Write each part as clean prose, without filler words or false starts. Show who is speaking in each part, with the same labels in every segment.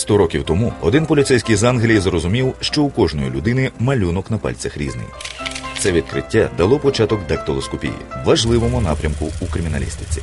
Speaker 1: 100 років тому один поліцейський з Англії зрозумів, що у кожної людини малюнок на пальцях різний. Це відкриття дало початок дактилоскопії – важливому напрямку у криміналістиці.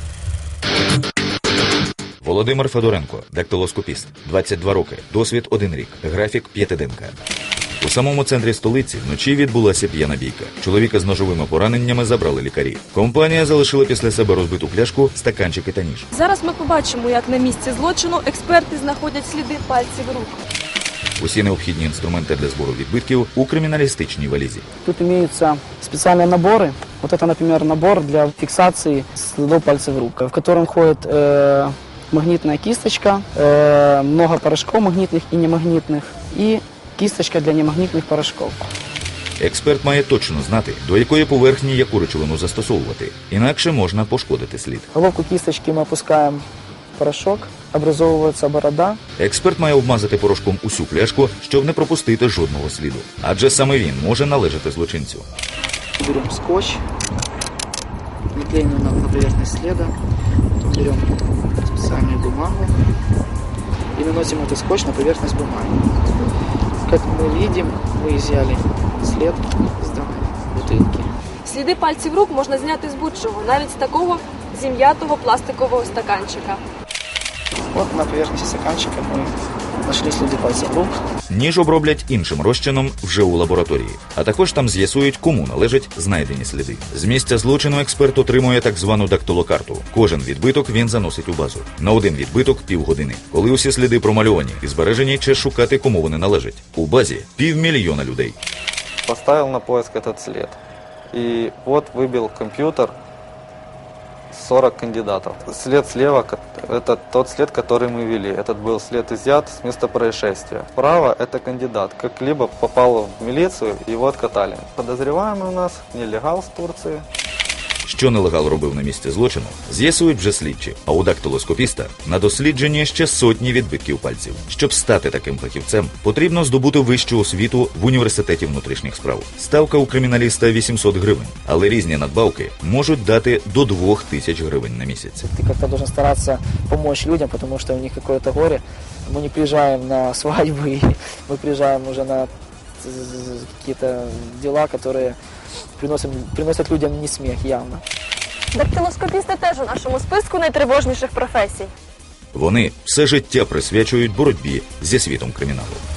Speaker 1: Володимир Федоренко – дактилоскопіст, 22 роки, досвід 1 рік, графік 5-денка. У самому центрі столиці вночі відбулася п'яна бійка. Чоловіка з ножовими пораненнями забрали лікарі. Компанія залишила після себе розбиту пляшку, стаканчики та ніж.
Speaker 2: Зараз ми побачимо, як на місці злочину експерти знаходять сліди пальців рук.
Speaker 1: Усі необхідні інструменти для збору відбитків у криміналістичній валізі.
Speaker 3: Тут имеются специальные наборы. Вот это, например, набор для фиксации следов пальцев рук, в котором входит магнитная кисточка, много порошков магнитных и немагнитных, и кисточка для немагнитных порошков.
Speaker 1: Експерт має точно знати, до якої поверхні яку речовину застосовувати, інакше можна пошкодити слід.
Speaker 3: Головку кисточки мы опускаем в порошок, образовывается борода.
Speaker 1: Експерт має обмазати порошком усю пляшку, щоб не пропустити жодного сліду. Адже саме він може належати злочинцю.
Speaker 3: Берем скотч, наклеим на поверхность следа, потом берем специальную бумагу и наносим этот скотч на поверхность бумаги. Как мы видим, мы изъяли след с данной бутылки.
Speaker 2: Сліди пальців рук можна зняти з будь-чого, навіть з такого зім'ятого пластикового стаканчика.
Speaker 3: Вот на поверхности стаканчика мы нашли следы пальцев рук.
Speaker 1: Ніж оброблять іншим розчином вже у лабораторії, а також там з'ясують, кому належать знайдені сліди. З місця злочину експерт отримує так звану дактилокарту. Кожен відбиток він заносить у базу. На один відбиток – півгодини. Коли усі сліди промальовані і збережені, час шукати, кому вони належать. У базі 500 000 людей.
Speaker 4: Поставил на поиск этот след. И вот выбил компьютер 40 кандидатов. След слева – это тот след, который мы вели. Этот был след изъят с места происшествия. Справа – это кандидат. Как-либо попал в милицию, его откатали. Подозреваемый у нас нелегал с Турции.
Speaker 1: Що нелегал робив на місці злочину, з'ясують вже слідчі, а у дактилоскопіста на дослідженні ще сотні відбитків пальців. Щоб стати таким фахівцем, потрібно здобути вищу освіту в університеті внутрішніх справ. Ставка у криміналіста 800 гривень, але різні надбавки можуть дати до 2000 гривень на місяць.
Speaker 3: Ты как-то должен стараться помочь людям, потому что у них какое-то горе. Мы не приезжаем на свадьбы, мы приезжаем уже на какие-то дела, которые приносят людям не смех явно.
Speaker 2: Дактилоскопісти теж у нашому списку найтривожніших професій.
Speaker 1: Вони все життя присвячують боротьбі зі світом криміналу.